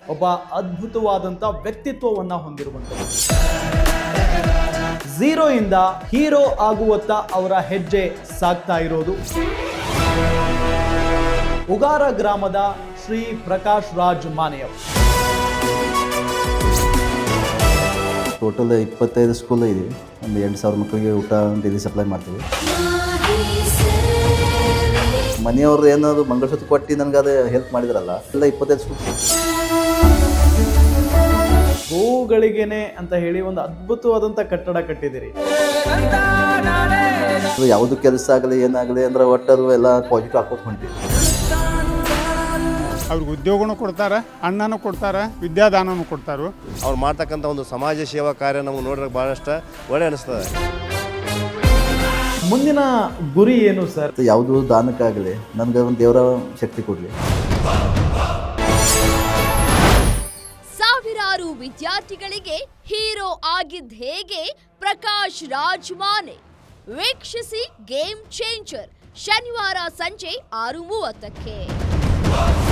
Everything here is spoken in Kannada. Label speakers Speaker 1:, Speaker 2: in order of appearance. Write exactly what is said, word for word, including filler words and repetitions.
Speaker 1: ಒಬ್ಬ ಅದ್ಭುತವಾದಂಥ ವ್ಯಕ್ತಿತ್ವವನ್ನು ಹೊಂದಿರುವಂಥದ್ದು. ಝೀರೋ ಇಂದ ಹೀರೋ ಆಗುವತ್ತ ಅವರ ಹೆಜ್ಜೆ ಸಾಗ್ತಾ ಇರೋದು. ಉಗಾರ ಗ್ರಾಮದ ಶ್ರೀ ಪ್ರಕಾಶ್ ರಾಜ್ ಮಾನೆಯವರು.
Speaker 2: ಟೋಟಲ್ ಇಪ್ಪತ್ತೈದು ಸ್ಕೂಲ್ ಇದೆ. ಒಂದು ಎಂಟು ಸಾವಿರ ಮಕ್ಕಳಿಗೆ ಊಟ ಡೈಲಿ ಸಪ್ಲೈ ಮಾಡ್ತೀವಿ. ಮನೆಯವ್ರು ಏನಾದ್ರು ಮಂಗಳಸೂತ್ರ ಕೊಟ್ಟು ನನಗೆ ಅದು ಹೆಲ್ಪ್ ಮಾಡಿದ್ರಲ್ಲ, ಎಲ್ಲ ಇಪ್ಪತ್ತೈದು ಸ್ಕೂಲ್.
Speaker 1: ಗೋವುಗಳಿಗೇನೆ ಅಂತ ಹೇಳಿ ಒಂದು ಅದ್ಭುತವಾದಂಥ ಕಟ್ಟಡ ಕಟ್ಟಿದಿರಿ.
Speaker 2: ಯಾವುದು ಕೆಲಸ ಆಗಲಿ ಏನಾಗಲಿ ಅಂದ್ರೆ ಒಟ್ಟದು ಎಲ್ಲ ಪಾಸಿಟಿವ್ ಹಾಕೋದು ಹೊಂಟಿವಿ.
Speaker 3: ಅವ್ರಿಗೆ ಉದ್ಯೋಗನೂ ಕೊಡ್ತಾರೆ, ಅಣ್ಣನೂ ಕೊಡ್ತಾರೆ, ವಿದ್ಯಾದಾನನೂ ಕೊಡ್ತಾರೆ.
Speaker 4: ಅವ್ರು ಮಾಡ್ತಕ್ಕಂಥ ಒಂದು ಸಮಾಜ ಸೇವಾ ಕಾರ್ಯ ನಮಗೆ ನೋಡಿದ್ರೆ ಭಾಳಷ್ಟು ಒಳ್ಳೆ ಅನಿಸ್ತದೆ.
Speaker 1: ಮುಂದಿನ ಗುರಿ ಏನು ಸರ್?
Speaker 2: ಯಾವುದು ದಾನಕ್ಕಾಗಲಿ ನನಗೆ ಒಂದು ದೇವರ ಶಕ್ತಿ ಕೊಡಲಿ.
Speaker 5: ಸಾವಿರಾರು ವಿದ್ಯಾರ್ಥಿಗಳಿಗೆ ಹೀರೋ ಆಗಿದ್ದ ಹೇಗೆ ಪ್ರಕಾಶ್ ರಾಜ್ ಮಾನೆ. ವೀಕ್ಷಿಸಿ ಗೇಮ್ ಚೇಂಜರ್ ಶನಿವಾರ ಸಂಜೆ ಆರು ಮೂವತ್ತಕ್ಕೆ.